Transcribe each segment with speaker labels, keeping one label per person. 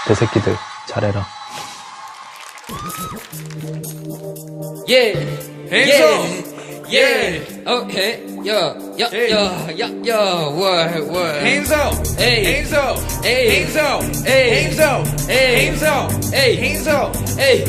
Speaker 1: 개새끼들 잘해라.
Speaker 2: Yeah,
Speaker 3: Hands up.
Speaker 2: yeah, okay, yeah, what?
Speaker 3: Hands up.
Speaker 2: Hey.
Speaker 3: Hands up.
Speaker 2: Hey.
Speaker 3: Hands up.
Speaker 2: Hey.
Speaker 3: Hands up.
Speaker 2: Hey.
Speaker 3: Hands up.
Speaker 2: Hey.
Speaker 3: Hands up.
Speaker 2: Hey,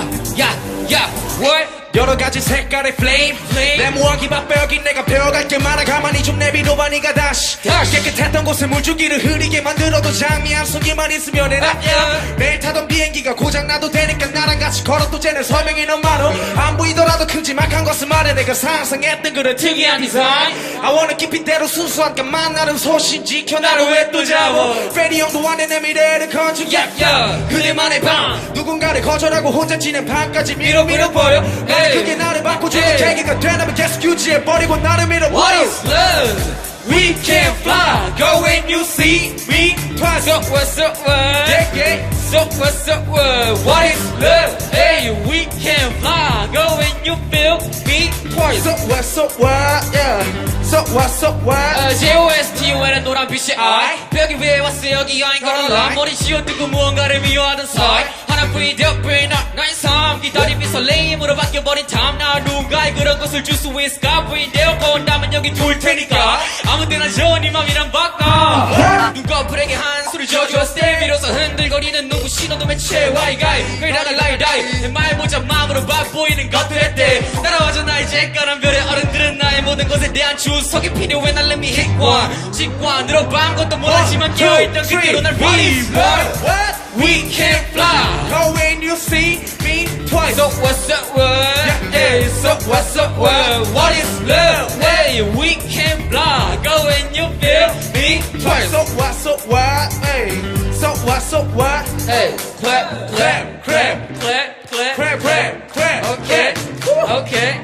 Speaker 2: what?
Speaker 3: 여러 가지 색깔의 flame 내 무언기 맛배기 내가 배워갈 게 많아 가만히 좀 내비둬봐 니가 다시 깨끗했던 곳에 물줄기를 흐리게 만들어도 장미 한 송이만 있으면 해라 매일 타던 비행기가 고장나도 되니까 나랑 같이 걸어도 쟤네 설명이 너무 많어 안 보이더라도 큼지막한 것을 말해 내가 상상했던 그런 특이한 디자인 I wanna keep it 대로 순수한 것만 나름 소신 지켜 나를 왜 또 잡아 페리 형도 안에 내 미래를 건축 그대만의 밤 누군가를 거절하고 혼자 지낸 밤까지 밀어버려 그게 나를 바꿔주는 계기가 되나면 계속 유지해버리고 나를 밀어버려
Speaker 2: What is love?
Speaker 3: We can fly Go when you see me twice
Speaker 2: So what's up, what?
Speaker 3: yeah.
Speaker 2: So what's up, what is love? Hey, we can fly, go when you feel me twice.
Speaker 3: So what yeah So what
Speaker 2: JOSTUN은 노란 빛의 I 벽이 위에 왔어 여기 여행 걸어라 머리 씌워두고 무언가를 미워하던 사이 하나뿐이 되어버린 나의 삶 기다림이 설레임으로 바뀌어버린 time 나 누군가의 그런 것을 줄 수 있을까 부인되었고 온다면 여기 둘 테니까 아무 때나 좋은 이 맘이랑 바꿔 눈꺼풀에게 한 소리 져주었을 때 비로소 흔들거리는 눈부 신호도 매체 와이가이 그러다가 라이다이 내 말 모자 마음으로 바보이는 것도 했대 따라와줘 나의 잭가란 별의 어른들은 나의 모든 것에 대한 주석이 필요해 날 let me hit one 직관으로 반 것도 몰랐지만 깨어있던 그대로 날 read
Speaker 3: What?
Speaker 2: We can fly
Speaker 3: Go when you see me twice
Speaker 2: So what's up what? Hey, so what's up what? What is love? Hey, we can fly Go when you feel me twice
Speaker 3: So what hey So what
Speaker 2: Hey, clap, clap,
Speaker 3: clap
Speaker 2: clap, clap
Speaker 3: clap
Speaker 2: Okay, okay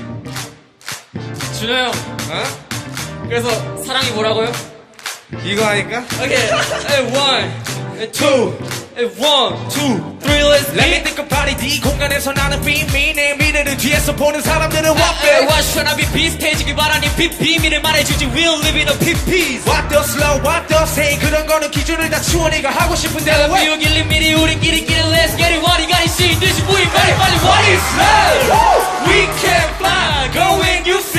Speaker 2: 준호 형 그래서 사랑이 뭐라고요?
Speaker 3: 이거 하니까
Speaker 2: Okay, hey, one, two, hey, one, two, three, let's
Speaker 3: Let me
Speaker 2: get
Speaker 3: think about it 이 공간에서 나는 비밀 내 미래를 뒤에서 보는 사람들은 what
Speaker 2: Hey,
Speaker 3: babe
Speaker 2: what's trying to be 비슷해지길 바라니 비밀을 말해주지 We'll live in a PPs
Speaker 3: What does love what does hate 그런 거는 기준을 다 치워 네가 하고 싶은 대로 해
Speaker 2: 비우길 미리 우리끼리 Let's get it 와리가리 시인 듯이 우리 빨리 What is love?
Speaker 3: We can fly Go when you